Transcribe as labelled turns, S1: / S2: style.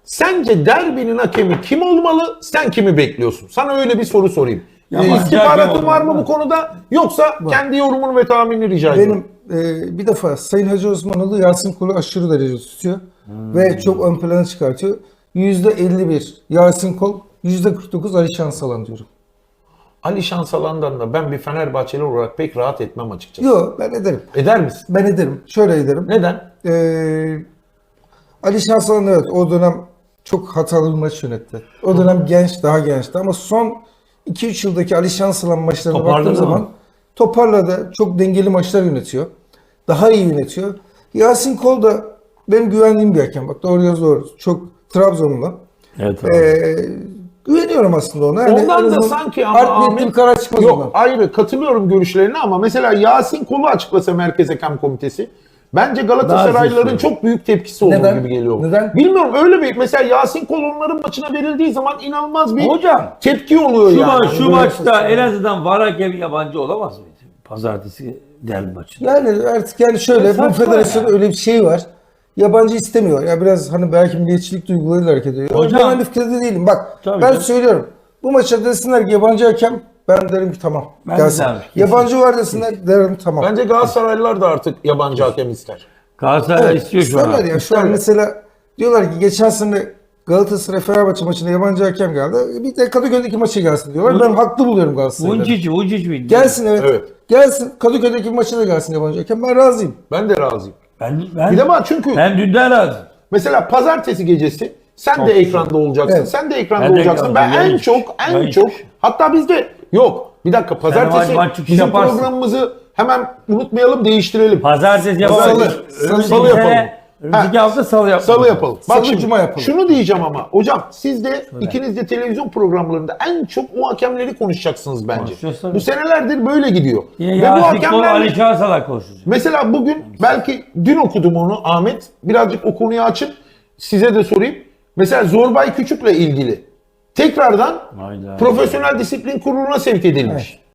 S1: Sence derbinin hakemi kim olmalı? Sen kimi bekliyorsun? Sana öyle bir soru sorayım.
S2: Yabancı
S1: İstihbaratın
S2: hakem
S1: var mı
S2: olmalı.
S1: bu konuda? Yoksa kendi yorumunu ve tahminini rica ediyorum.
S3: Benim bir defa Sayın Hacı Osmanoğlu Yasin Kol'u aşırı derece tutuyor. Ve çok ön plana çıkartıyor. %51 Yasin Kol, %49 Ali Şansalan diyorum.
S1: Ali Şansalan'dan da ben bir Fenerbahçeli olarak pek rahat etmem açıkçası.
S3: Yok, ben ederim.
S1: Eder misin?
S3: Ben ederim. Şöyle ederim.
S1: Neden?
S3: Ali Şansalan evet o dönem çok hatalı bir maç yönetti. O dönem genç, daha gençti ama son 2-3 yıldaki Ali Şansalan maçlarına
S2: Toparladı
S3: baktığım
S2: mı?
S3: zaman toparladı. Çok dengeli maçlar yönetiyor. Daha iyi yönetiyor. Yasin Kol da benim güvendiğim bir hakem. Bak doğru doğru. Çok Trabzonlu.
S2: Evet.
S3: Güveniyorum aslında ona. Yani
S1: Ondan
S3: en
S1: da
S3: azından
S1: sanki ama
S3: art niyetli bir karar çıkmaz
S1: yok
S3: ondan.
S1: ayrı katılıyorum görüşlerine ama mesela Yasin Kol'u açıklasa Merkez Hakem Komitesi bence Galatasaraylıların
S2: Daha
S1: çok büyük tepkisi olur
S3: Neden?
S1: gibi geliyor.
S3: Neden?
S1: Bilmiyorum öyle bir mesela Yasin Kol onların maçına verildiği zaman inanılmaz bir
S2: Hocam,
S1: tepki oluyor
S2: Şu,
S1: yani.
S2: şu maçta en azından VAR hakemi yabancı olamaz mıydı? Pazartesi derbi maçında.
S3: Yani artık yani şöyle bu
S2: Saçma
S3: federasyonda
S2: ya.
S3: öyle bir şey var. Yabancı istemiyor. Ya biraz hani belki milliyetçilik duygularıyla hareket ediyor.
S2: Hocam.
S3: Ben aynı fikirde değilim. Bak
S2: Tabii
S3: ben
S2: canım.
S3: söylüyorum. Bu maça desinler ki yabancı hakem ben derim ki tamam.
S2: Ben de
S3: Gelsin.
S2: derim, kesin.
S3: Yabancı var desinler derim tamam.
S1: Bence Galatasaraylılar da artık yabancı hakem ister.
S2: Galatasaray
S3: Evet,
S2: istiyor şu an.
S3: isterler ya. Şu an
S1: İsterler.
S3: mesela diyorlar ki geçen sene Galatasaray Fenerbahçe maçında yabancı hakem geldi. Bir de Kadıköy'deki maça gelsin diyorlar. Ben haklı buluyorum Galatasaray'ı.
S2: Vuncic miydi?
S3: Gelsin evet.
S1: Evet.
S3: Gelsin Kadıköy'deki maça da gelsin yabancı hakem. Ben razıyım.
S1: Ben de razıyım.
S2: Ben
S1: Bir de bak çünkü
S2: ben dünden razı.
S1: mesela pazartesi gecesi sen de ekranda olacaksın.
S3: Evet.
S1: Sen de ekranda
S2: Ben de
S1: olacaksın. Ben
S2: ekranda,
S1: en
S2: yayın
S1: çok
S2: yayın
S1: çok
S2: çıkışı.
S1: hatta bizde yok. Bir dakika pazartesi
S2: maç çıkışı
S1: bizim
S2: yaparsın.
S1: programımızı hemen unutmayalım değiştirelim.
S2: Pazartesi yapalım.
S1: Salı yapalım.
S2: Önümüzdeki hafta salı yapalım.
S1: Salı yapalım. Bak
S3: Salı,
S1: şimdi
S3: cuma yapalım.
S1: şunu diyeceğim ama hocam siz de ikiniz de televizyon programlarında en çok o hakemleri konuşacaksınız bence.
S2: Konuşacağız tabii.
S1: Bu senelerdir böyle gidiyor.
S2: Yine
S1: Ve bu
S2: Yasin Kol,
S1: hakemlerle
S2: Ali Çağsalak konuşacak.
S1: mesela bugün belki dün okudum onu Ahmet. Birazcık o konuyu açıp size de sorayım. Mesela Zorbay Küçük'le ilgili tekrardan
S2: Hayda.
S1: Profesyonel Disiplin Kurulu'na sevk edilmiş.